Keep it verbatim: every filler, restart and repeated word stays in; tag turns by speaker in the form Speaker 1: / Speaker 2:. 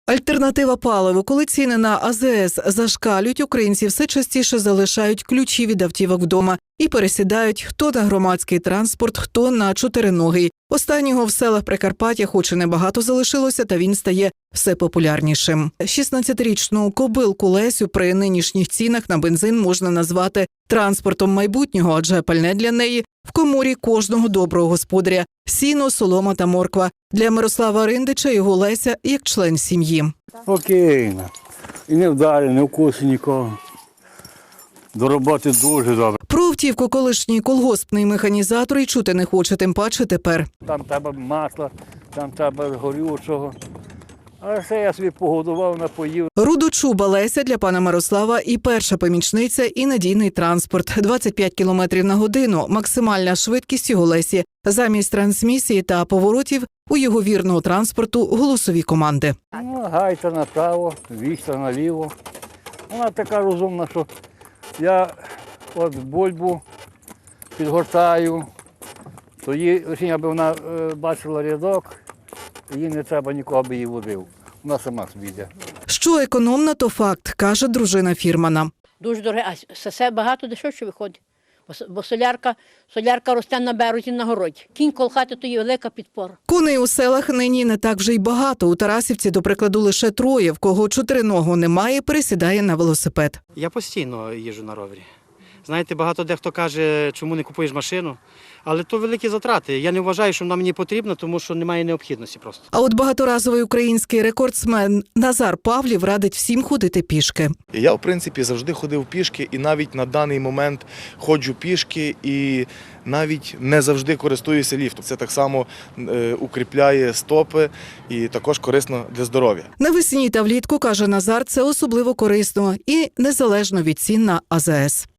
Speaker 1: Альтернатива паливу. Коли ціни на А З С зашкалюють, українці все частіше залишають ключі від автівок вдома і пересідають хто на громадський транспорт, хто на чотириногий. Останнього в селах Прикарпаття хоч і небагато залишилося, та він стає все популярнішим. шістнадцятирічну кобилку Лесю при нинішніх цінах на бензин можна назвати транспортом майбутнього, адже пальне для неї в коморі кожного доброго господаря – сіно, солома та морква. Для Мирослава Риндича його Леся як член сім'ї.
Speaker 2: Спокійно. І не вдарить, не вкусить нікого. До роботи дуже добре.
Speaker 1: Про автівку колишній колгоспний механізатор і чути не хоче, тим паче тепер.
Speaker 2: Там треба масла, там треба горючого. А все я собі погодував, напоїв.
Speaker 1: Рудочуба Леся для пана Мирослава і перша помічниця, і надійний транспорт. двадцять п'ять кілометрів на годину – максимальна швидкість його Лесі. Замість трансмісії та поворотів у його вірного транспорту голосові команди.
Speaker 2: Ну, гайта направо, віста наліво. Вона така розумна, що я от бульбу підгортаю, то їй, аби вона е, бачила рядок, їй не треба нікого, аби її водив. Вона сама собі йде.
Speaker 1: Що економна, то факт, каже дружина фірмана.
Speaker 3: Дуже дороге, а все багато дешевше виходить. Бо- Бо солярка, солярка росте на березі, на городі. Кінь колхати – то є велика підпора.
Speaker 1: Коней у селах нині не так вже й багато. У Тарасівці, до прикладу, лише троє. В кого чотириногого немає, пересідає на велосипед.
Speaker 4: Я постійно їжджу на ровері. Знаєте, багато дехто каже, чому не купуєш машину, але то великі затрати. Я не вважаю, що вона мені потрібна, тому що немає необхідності просто.
Speaker 1: А от багаторазовий український рекордсмен Назар Павлів радить всім ходити пішки.
Speaker 5: Я, в принципі, завжди ходив пішки і навіть на даний момент ходжу пішки і навіть не завжди користуюся ліфтом. Це так само е, укріпляє стопи і також корисно для здоров'я.
Speaker 1: Навесні та влітку, каже Назар, це особливо корисно і незалежно від цін на А З С.